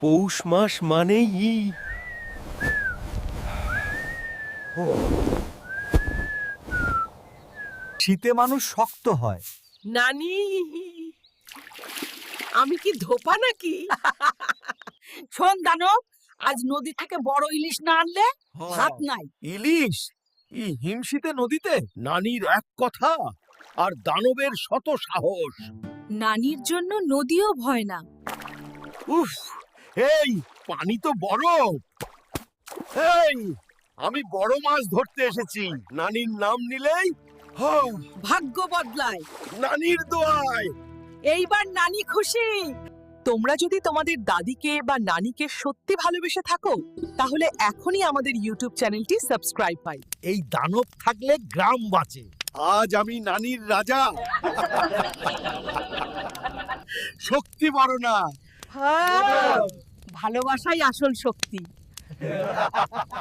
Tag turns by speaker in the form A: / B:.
A: পৌষ মাস মানেই
B: শীতে মানুষ শক্ত হয়।
C: নানি, আমি কি ধোপা নাকি?
D: শোন দানব, আজ নদী থেকে বড় ইলিশ না আনলে ভাত নাই।
B: ইলিশ হিমশীতে নদীতে?
A: নানির এক কথা আর দানবের শত সাহস।
D: নানির জন্য নদীও ভয় না।
A: উফ, এই পানি তো বরফ। এই আমি বড় মাছ ধরতে এসেছি, নানির নাম নিলেই হও।
D: ভাগ্য বদলায়,
A: নানির দোয়ায়।
D: এইবার নানি খুশি।
C: তোমরা যদি তোমাদের দাদিকে বা নানিকে সত্যি ভালোবেসে থাকো, তাহলে এখনই আমাদের ইউটিউব চ্যানেলটি সাবস্ক্রাইব পাই।
B: এই দানব থাকলে গ্রাম বাঁচে।
A: আজ আমি নানির রাজা। শক্তি বড় না,
D: ভালোবাসাই আসল শক্তি।